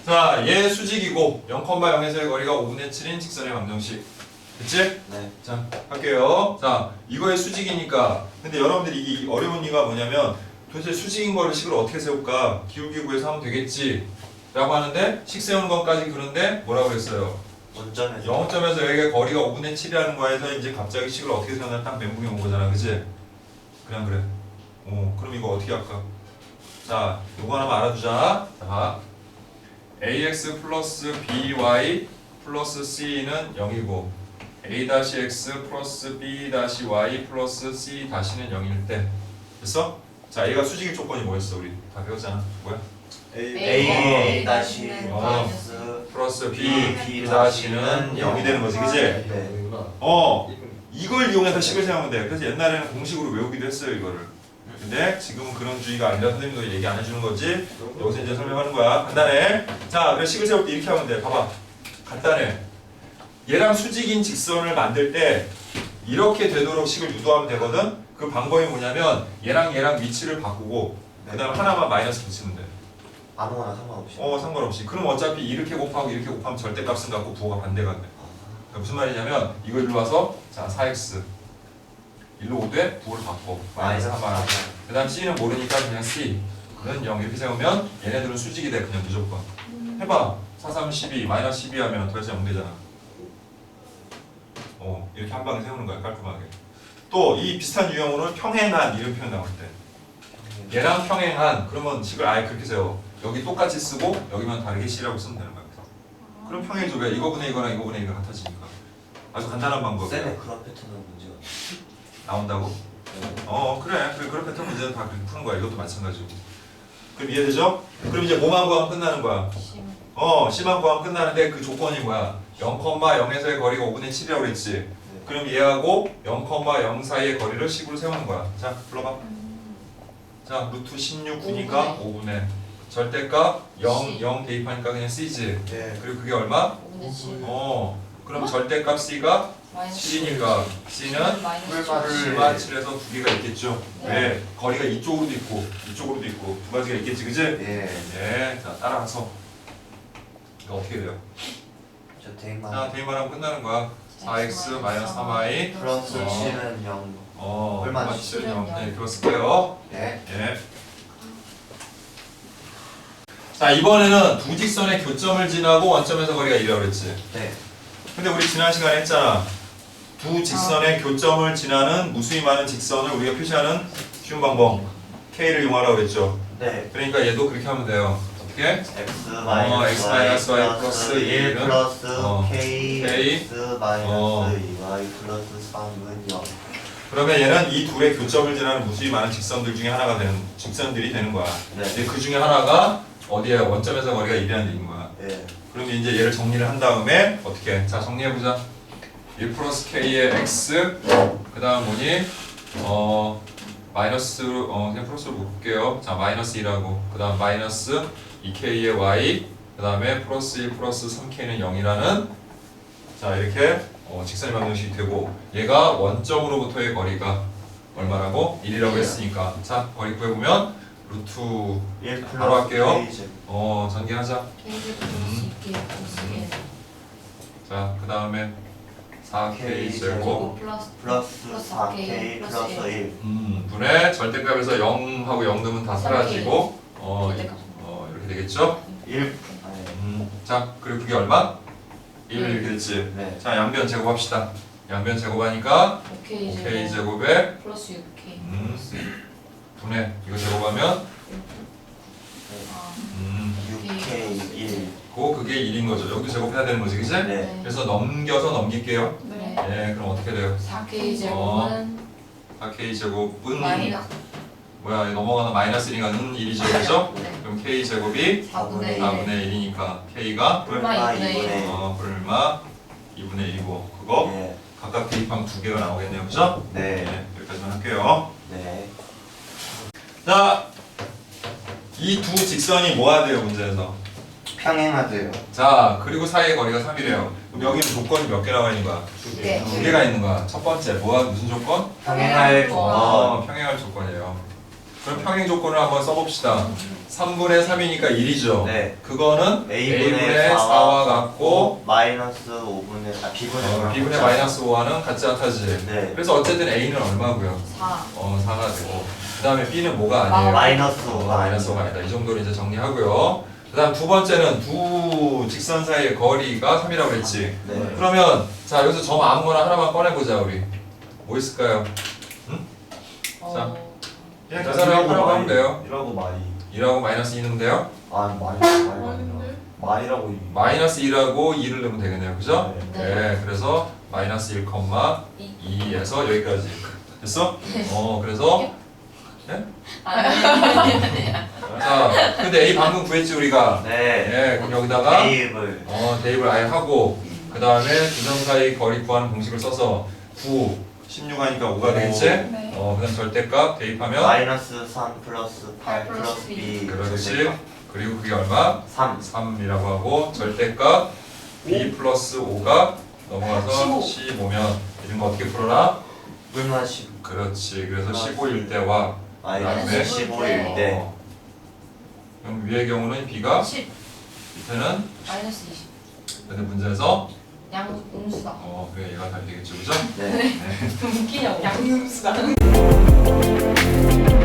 자, 얘 수직이고 0,0에서의 거리가 5분의 7인 직선의 방정식. 됐지? 네. 자, 할게요. 자, 이거의 수직이니까. 근데 여러분들이 이게 어려운 이유가 뭐냐면 도대체 수직인 거를 식을 어떻게 세울까? 기울기 구해서 하면 되겠지. 라고 하는데 식 세우는 것까지 그런데 뭐라고 그랬어요? 원점에서 0점에서 여기가 거리가 5분의 7이라는 거에서 이제 갑자기 식을 어떻게 세우나 딱 멘붕이 온 거잖아. 그치? 그냥 그래. 그럼 이거 어떻게 할까? 자, 요거 하나만 알아두자. 자, ax 플러스 by 플러스 c는 0이고 a-x 플러스 b-y 플러스 c-는 0일 때 됐어? 자, 얘가 수직일 조건이 뭐였어? 우리 다 배웠잖아. 뭐야? A 다시 마이너스 플러스 B b-는 0이 되는 거지. 그치? 네. 이걸 이용해서 식을 세우면 돼. 그래서 옛날에는 공식으로 외우기도 했어요, 이거를. 근데 지금은 그런 주의가 아니라 선생님도 얘기 안 해주는 거지. 여기서 이제 설명하는 거야. 간단해. 자, 그래서 식을 세울 때 이렇게 하면 돼. 봐봐. 간단해. 얘랑 수직인 직선을 만들 때 이렇게 되도록 식을 유도하면 되거든. 그 방법이 뭐냐면 얘랑 위치를 바꾸고 그 다음 하나만 마이너스 붙이면 돼. 아무거나 상관없이. 상관없이. 그럼 어차피 이렇게 곱하고 이렇게 곱하면 절대값은 같고 부호가 반대가 돼. 그러니까 무슨 말이냐면 이거 일로 와서 자 4x 일로 오되 부호를 바꿔 마이너스 3만 그 다음 c는 모르니까 그냥 c는 0 이렇게 세우면 얘네들은 수직이 돼. 그냥 무조건 해봐. 4, 3, 12 마이너스 12 하면 도대체 0 되잖아. 이렇게 한 방에 세우는 거야. 깔끔하게. 또 이 비슷한 유형으로는 평행한 이런 표현 나올 때 얘랑 평행한 그러면 식을 아예 그렇게 세워. 여기 똑같이 쓰고 여기만 다르게 c라고 쓰면 되는 거야. 그럼 평행이죠. 왜? 이거분의 이거랑 이거분의 이거 같아지니까. 아주 간단한 방법이야. 쌤의 그런 패턴은 문제가 나온다고? 그래. 그런 패턴 문제는 다 그렇게 푸는 거야. 이것도 마찬가지고. 그럼 이해되죠? 그럼 이제 뭐만 구하면 끝나는 거야. C만 구하면 끝나는데 그 조건이 뭐야? 0,0에서의 거리가 5분의 7이라고 그랬지. 그럼 얘하고 0,0 사이의 거리를 식으로 세우는 거야. 자, 불러봐. 자, 루트 16, 9니까 5분의 절대값 0 대입하니까 그냥 C지. 네. 그리고 그게 얼마? 5분의 7. 그럼 절대값 C가 마이너스 7이니까 C는 마이너스 7만 7에서 두 개가 있겠죠. 네. 왜? 거리가 이쪽으로도 있고 이쪽으로도 있고 두 가지가 있겠지, 그지? 예. 자, 따라가서 이거 어떻게 돼요? 저 대만 자, 대입하면 끝나는 거야. 4x 마이너스 3y 플러스 어. 7은 0. 얼마? 7은 0. 네, 그거 쓸게요. 네. 예. 자, 이번에는 두 직선의 교점을 지나고 원점에서 거리가 1이라고 그랬지. 네. 근데 우리 지난 시간에 했잖아. 두 직선의 교점을 지나는 무수히 많은 직선을 우리가 표시하는 쉬운 방법 K를 이용하라고 그랬죠. 네. 그러니까 얘도 그렇게 하면 돼요. 어떻게? X 마이너스 Y 플러스 1 플러스 K X 마이너스 2Y 플러스 3은 0. 그러면 얘는 이 둘의 교점을 지나는 무수히 많은 직선들 중에 하나가 되는 직선들이 되는 거야. 네. 근데 그 중에 하나가 어디야? 원점에서 거리가 1이라는 얘기인 거야. 예. 그럼 이제 얘를 정리를 한 다음에 어떻게? 자, 정리해보자. 1 플러스 K의 X 그 다음 뭐니? 마이너스 그냥 플러스로 묶을게요. 자, 마이너스 2라고 그 다음 마이너스 2K의 Y 그 다음에 플러스 1 플러스 3K는 0이라는 자, 이렇게 직선의 방정식이 되고 얘가 원점으로부터의 거리가 얼마라고? 1이라고 했으니까 자, 거리 구해보면 루트 1 바로 할게요. 플러스 K 전개하자. 자, 그 다음에 4K 제곱 플러스 4K 플러스 1. 분의 절대값에서 0하고 0 넣으면 다 사라지고 이렇게 되겠죠? 1. 자, 그리고 그게 얼마? 1 이렇게 됐지? 네. 자, 양변 제곱합시다. 양변 제곱하니까 5K 제곱에 플러스 6K 분의 이거 제곱하면 6K 1. 그게 1인 거죠. 여기도 제곱해야 되는 거지, 그치? 네. 그래서 넘겨서 넘길게요. 네. 그럼 어떻게 돼요? 4K 제곱은 4K 제곱은 마이너스 뭐야, 넘어가는 마이너스 1이니까 1이죠, 그죠? 네. 그럼 K 제곱이 4분의 4분의 1 1이니까 K가 불마 2분의 1 불마 2분의 1이고 그거 네. 각각 대입하면 두 개가 나오겠네요, 그죠? 네. 여기까지만 할게요. 네. 자, 이 두 직선이 뭐가 돼요, 문제에서? 평행하대요. 자, 그리고 사이의 거리가 3이래요. 그럼 여기는 조건이 몇 개 나와 있는 거야? 네. 두 개가 있는 거야. 첫 번째, 무슨 조건? 평행할 조건. 평행할 조건이에요. 그럼 평행 조건을 한번 써봅시다. 3분의 3이니까 1이죠. 네. 그거는 A분의 4와 같고 마이너스 5분의 B분의 B분의 마이너스 5와는 같지 않다지. 네. 그래서 어쨌든 A는 얼마고요? 4. 4가 되고 그 다음에 B는 뭐가 아니에요? 마이너스 5가 마이너스 5가 아니다. 이 정도로 이제 정리하고요. 그 다음 두 번째는 두 직선 사이의 거리가 3이라고 그랬지. 네. 그러면 자 여기서 점 아무거나 하나만 꺼내보자 우리. 뭐 있을까요? 그냥 계산을 하라고 하면 돼요. 1하고 마이 2라고 마이너스 2는 돼요? 마이라고 이 마이너스 2라고 2를 넣으면 되겠네요. 그죠? 네. 네. 그래서 마이너스 1,2에서 여기까지. 됐어? 네. 그래서 아니. 자 근데 A 방금 구했지 우리가. 네. 그럼 여기다가 대입을 대입을 아예 하고 그 다음에 두 점 사이 거리 구하는 공식을 써서 9, 16 하니까 5가 되겠지? 네. 그 다음 절대값 대입하면 마이너스 3 플러스 8 8 플러스 플러스 B 그렇지. 그리고 그게 얼마? 3 3이라고 하고 절대값 B 플러스 5가 넘어가서 15면 이런 거 어떻게 풀어라? 불만 10 그렇지. 그래서 15일 때와 마이너스 그다음에 15일 때 그럼 위의 경우는 B가 10. 밑에는 마이너스 20. 근데 문제에서 양음수다. 그래 얘가 답이 되겠죠. 그죠? 네. 웃기냐고. 양음수다.